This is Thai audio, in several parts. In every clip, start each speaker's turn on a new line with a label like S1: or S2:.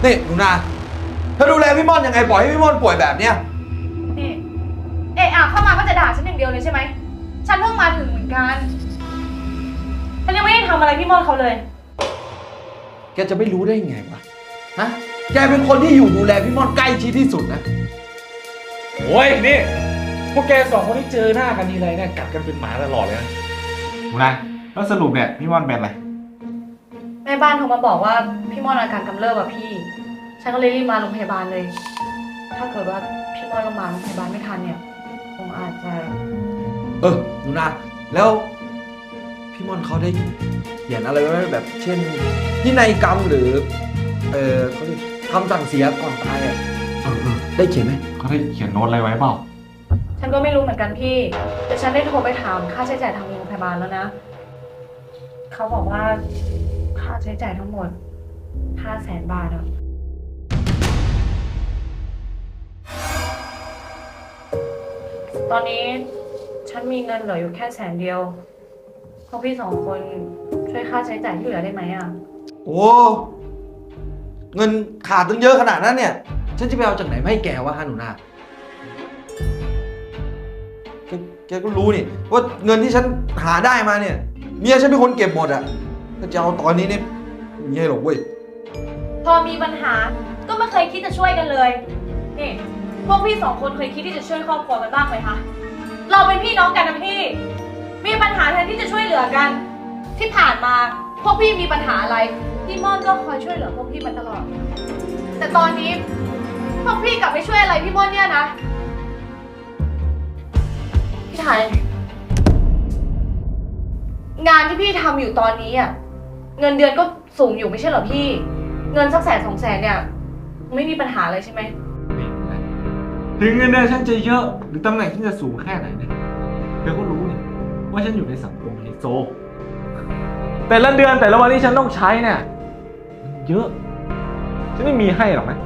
S1: นี่หนูนาเธอดูแลพี่ม่อนยังไงปล่อยให้พี่ม่อนป่วยแบบเนี้ย
S2: นี่เข้ามาก็จะด่าฉันอย่างเดียวเลยใช่ไหมฉันเพิ่งมาถึงเหมือนกันฉันยังไม่ได้ทำอะไรพี่ม่อนเขาเลย
S1: แกจะไม่รู้ได้ยังไงวะฮะแกเป็นคนที่อยู่ดูแลพี่ม่อนใกล้ชิดที่สุดนะ
S3: โอ้ยนี่พวกแกสองคนที่เจอหน้ากันทีไรเนี่ยกัดกันเป็นหมาตลอดเลยนะหนูนะแล้วสรุปเนี่ยพี่ม่อนเป็นอะไร
S2: แม่บ้านโทรมาบอกว่าพี่ม่อนอาการกำเริบอะพี่ฉันก็เลยรีบมาโรงพยาบาลเลยถ้าเกิดว่าพี่ม่อนก็มาโรงพยาบาลไม่ทันเนี่ยคงอาจจะ
S1: หนูนาแล้วพี่ม่อนเขาได้เขียนอะไรไว้แบบเช่นพินัยกรรมหรือเขาเรียกคำสั่งเสียก่อนตายอ่ะได้เขียนไหม
S3: เขาได้เขียนโน้ตอะไรไว้เปล่า
S2: ฉันก็ไม่รู้เหมือนกันพี่แต่ฉันได้โทรไปถามค่าใช้จ่ายทางโรงพยาบาลแล้วนะเขาบอกว่าค่าใช้จ่ายทั้งหมด500,000 บาทอะตอนนี้ฉันมีเงินเหลืออยู่แค่100,000พวกพี่2 คนช่วยค่าใช้จ่ายที่เหลือได้ไหมอะ
S1: โอ้เงินขาดตั้งเยอะขนาดนั้นเนี่ยฉันจะไปเอาจากไหนมาให้แกวะฮะหนูนาแกก็รู้นี่ว่าเงินที่ฉันหาได้มาเนี่ยเมียฉันเป็นคนเก็บหมดอ่ะถ้าจะเอาตอนนี้เนี่ยไม่ใช่หรอกเว้ย
S2: พอมีปัญหาก็ไม่เคยคิดจะช่วยกันเลยนี่พวกพี่2 คนเคยคิดที่จะช่วยครอบครัวกันบ้างไหมคะเราเป็นพี่น้องกันนะพี่มีปัญหาแทนที่จะช่วยเหลือกันที่ผ่านมาพวกพี่มีปัญหาอะไรพี่ม่อนก็คอยช่วยเหลือพวกพี่มาตลอดแต่ตอนนี้พวกพี่กลับไม่ช่วยอะไรพี่ม่อนเนี่ยนะพี่ไทยงานที่พี่ทำอยู่ตอนนี้อ่ะเงินเดือนก็สูงอยู่ไม่ใช่เหรอพี่เงินสัก100,000-200,000เนี่ยไม่มีปัญหาเลยใช่ไหม
S3: ถึงเงินเดือนฉันจะเยอะหรือตำแหน่งฉันจะสูงแค่ไหนเนี่ยเธอก็รู้นี่ว่าฉันอยู่ในสังคมไฮโซแต่ละเดือนแต่ละวันที่ฉันต้องใช้เนี่ยมันเยอะฉันไม่มีให้หรอกนะ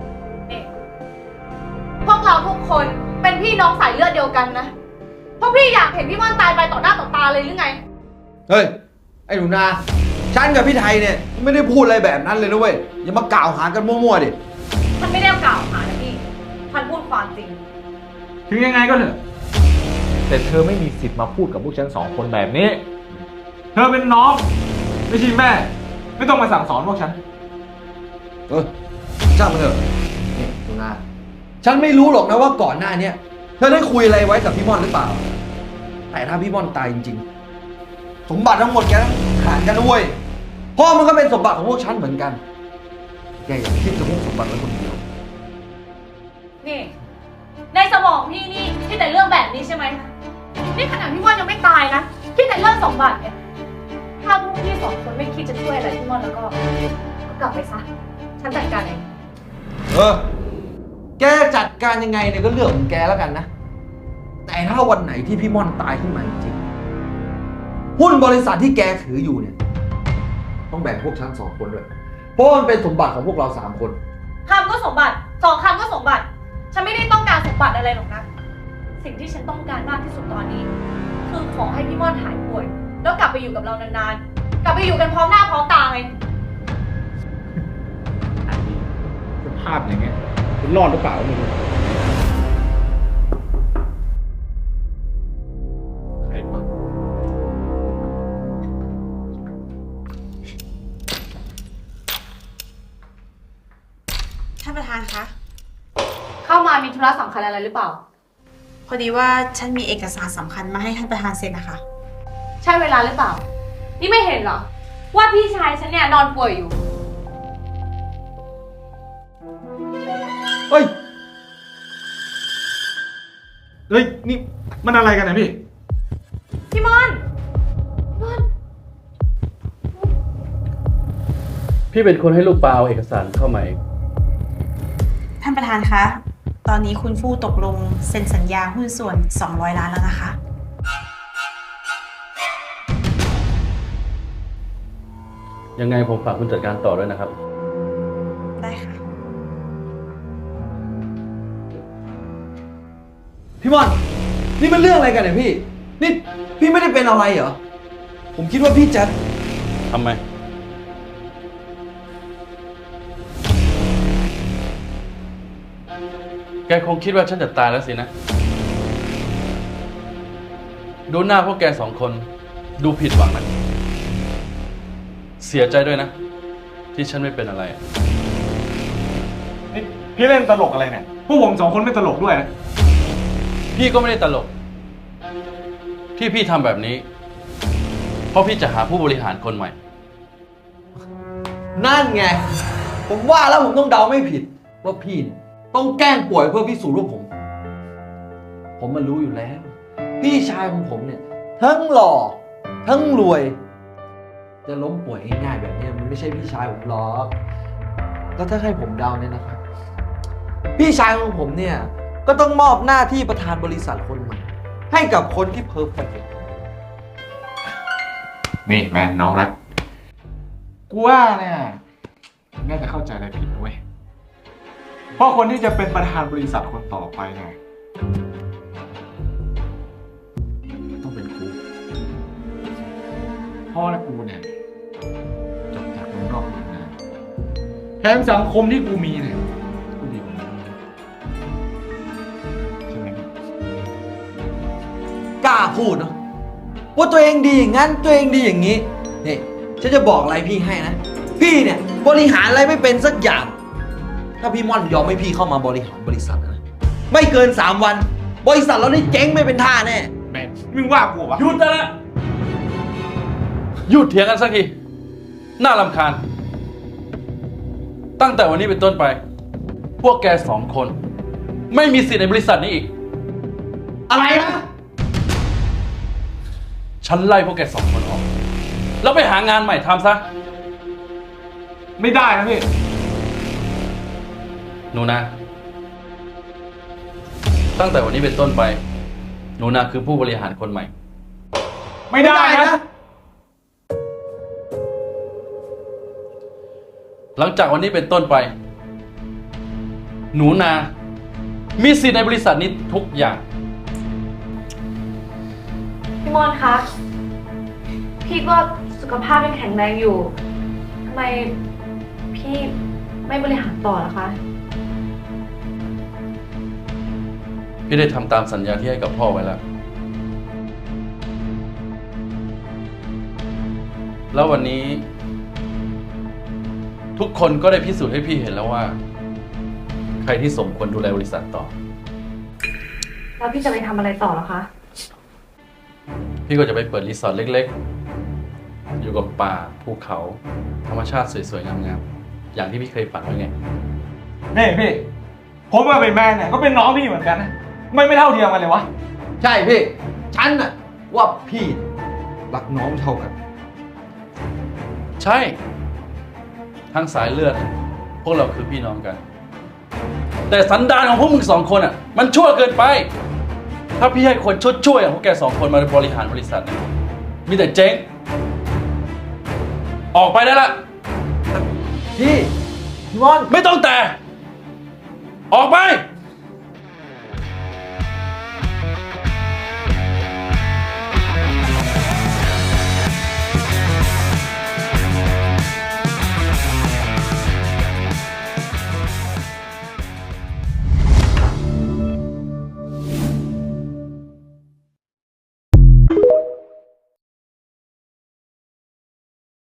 S2: พวกเราทุกคนเป็นพี่น้องสายเลือดเดียวกันนะพวกพี่อยากเห็นพี่ม่อนตายไปต่อหน้าต่อตาเลยหรือไง
S1: เฮ้ยไอ้หนูนาฉันกับพี่ไทยเนี่ยไม่ได้พูดอะไรแบบนั้นเลยนะเว้ยอย่ามากล่าวหากันมั่วๆดิ
S2: มันไม่ได้กล่าวหานะพี่มันพูดความจริง
S3: ถึงยังไงก็เถอะแต่เธอไม่มีสิทธิ์มาพูดกับพวกฉัน2 คนแบบนี้เธอเป็นน้องไม่ใช่แม่ไม่ต้องมาสั่งสอนพวกฉัน
S1: ช่างมันเถอะนี่หนูนาฉันไม่รู้หรอกนะว่าก่อนหน้านี้เธอได้คุยอะไรไว้กับพี่ม่อนหรือเปล่าแต่ถ้าพี่ม่อนตายจริงๆสมบัติทั้งหมดแกขาดกันนะเว้ยเพราะมันก็เป็นสมบัติของพวกฉันเหมือนกันแกอย่าคิดจะมุ่งสมบัติไว้คนเดียว
S2: นี่ในสมองพี่นี่คิดแต่เรื่องแบบนี้ใช่ไหมนี่ขนาดพี่ม่อนยังไม่ตายนะคิดแต่เรื่องสมบัติเนี่ยถ้าพวกพี่2 คนไม่คิดจะช่วยอะไรพี่ม่อนแล้วก็กลับไปซะฉันจัดการเอง
S1: แกจัดการยังไงเนี่ยก็เรื่องของแกแล้วกันนะแต่ถ้าวันไหนที่พี่ม่อนตายขึ้นมาจริงหุ้นบริษัทที่แกถืออยู่เนี่ยต้องแบ่งพวกฉัน2 คนด้วยเพราะมันเป็นสมบัติของพวกเรา3 คน
S2: คำก็สมบัติ2 คำก็สมบัติฉันไม่ได้ต้องการสมบัติอะไรหรอกนะสิ่งที่ฉันต้องการมากที่สุดตอนนี้คือขอให้พี่ม่อนหายป่วยแล้วกลับไปอยู่กับเรานานๆกลับไปอยู่กันพร้อมหน้าพร้อมตาไง
S3: สภาพอย่างเงี้ยคุณรอดหรือเปล่าไม่รู้ใครวะ
S4: ท่านประธานคะ
S2: เข้ามามีธุระสำคัญอะไรหรือเปล่า
S4: พอดีว่าฉันมีเอกสารสำคัญมาให้ท่านประธานเซ็นนะคะ
S2: ใช่เวลาหรือเปล่านี่ไม่เห็นเหรอว่าพี่ชายฉันเนี่ยนอนป่วยอยู่
S3: เฮ้ยนี่มันอะไรกันนะพี่
S2: ม่อน
S5: พี่เป็นคนให้ลูกปลาเอาเอกสารเข้ามาเอง
S4: ท่านประธานคะตอนนี้คุณฟู่ตกลงเซ็นสัญญาหุ้นส่วน200 ล้านแล้วนะคะ
S5: ยังไงผมฝากคุณจัดการต่อด้วยนะครับ
S4: ได้ค่ะ
S1: พี่ม่อนนี่มันเรื่องอะไรกันเนี่ยพี่นี่พี่ไม่ได้เป็นอะไรเหรอผมคิดว่าพี่จะ
S5: ทำไมคงคิดว่าฉันจะตายแล้วสินะ ดูหน้าพวกแกสองคนดูผิดหวังนะ เสียใจด้วยนะ ที่ฉันไม่เป็นอะไรอะ
S3: นี่พี่เล่นตลกอะไรเนี่ย พวกผมสองคนไม่ตลกด้วยนะ
S5: พี่ก็ไม่ได้ตลก ที่พี่ทำแบบนี้ เพราะพี่จะหาผู้บริหารคนใหม่
S1: นั่นไง ผมว่าแล้วผมต้องเดาไม่ผิด ว่าพี่เนี่ยต้องแกล้งป่วยเพื่อพิสูจน์ว่าผมมันรู้อยู่แล้ว พี่ชายของผมเนี่ย ทั้งหล่อทั้งรวย จะล้มป่วยง่ายๆแบบเนี้ยมันไม่ใช่พี่ชายผมหรอกแล้วถ้าให้ผมเดาเนี่ยนะครับ พี่ชายของผมเนี่ยก็ต้องมอบหน้าที่ประธานบริษัทคนใหม่ ให้กับคนที่เพอร์เฟกต์
S3: นี่แม่น้องรัก กูว่าเนี่ยน่าจะเข้าใจอะไรผิดเว้ย เพราะคนที่จะเป็นประธานบริษัทคนต่อไปเนี่ยต้องเป็นกูพ่อและกูเนี่ยจบจากเมืองนอกเมืองนาแถมสังคมที่กูมีเนี่ยกูดีกว่ามึงใช่ไหมพี่
S1: กล้าพูดเนาะว่าตัวเองดีอย่างนั้นตัวเองดีอย่างนี้นี่ฉันจะบอกอะไรพี่ให้นะ พี่เนี่ยบริหารอะไรไม่เป็นสักอย่าง ถ้าพี่ม่อนยอมให้พี่เข้ามาบริหารบริษัทนะไม่เกิน3 วัน บริษัทเราได้เจ๊งไม่เป็นท่าแน่
S3: แม่มึงว่ากูวะ
S5: หยุดได้แล้วหยุดเถียงกันสักที น่ารำคาญ ตั้งแต่วันนี้เป็นต้นไป พวกแกสองคน ไม่มีสิทธิ์ในบริษัทนี้อีก
S1: อะไรนะ
S5: ฉันไล่พวกแกสองคนออก แล้วไปหางานใหม่ทำซะ
S3: ไม่ได้นะพี่
S5: หนูนา ตั้งแต่วันนี้เป็นต้นไป หนูนาคือผู้บริหารคนใหม่
S3: ไม่ได้นะ
S5: หลังจากวันนี้เป็นต้นไป หนูนา มีสิทธิ์ในบริษัทนี้ทุกอย่าง
S2: พี่มอนคะ พี่ก็สุขภาพยังแข็งแรงอยู่ ทำไมพี่ไม่บริหารต่อล่ะคะ
S5: พี่ได้ทำตามสัญญาที่ให้กับพ่อไว้แล้ว แล้ววันนี้ ทุกคนก็ได้พิสูจน์ให้พี่เห็นแล้วว่า ใครที่สมควรดูแลบริษัทต่อ
S2: แล้วพี่จะไปทำอะไรต่อล่ะคะ
S5: พี่ก็จะไปเปิดรีสอร์ทเล็กๆ อยู่กับป่าภูเขา ธรรมชาติสวยๆ งามๆ อย่างที่พี่เคยฝันไว้ไง
S3: นี่พี่ ผมมาเป็นแม่เนี่ยก็เป็นน้องพี่เหมือนกันนะ ไม่เท่าเทียมกันเลยวะ
S1: ใช่พี่ ฉันน่ะว่าพี่รักน้องเท่ากัน
S5: ใช่ ทั้งสายเลือด พวกเราคือพี่น้องกัน แต่สันดานของพวกมึงสองคนอ่ะ มันชั่วเกินไป ถ้าพี่ให้คนช่วยๆอย่างพวกแกสองคนมาบริหารบริษัทเนี่ยมีแต่เจ๊ง ออกไปได้ละ
S1: พี่ม่อน
S5: ไม่ต้องแต่ ออกไป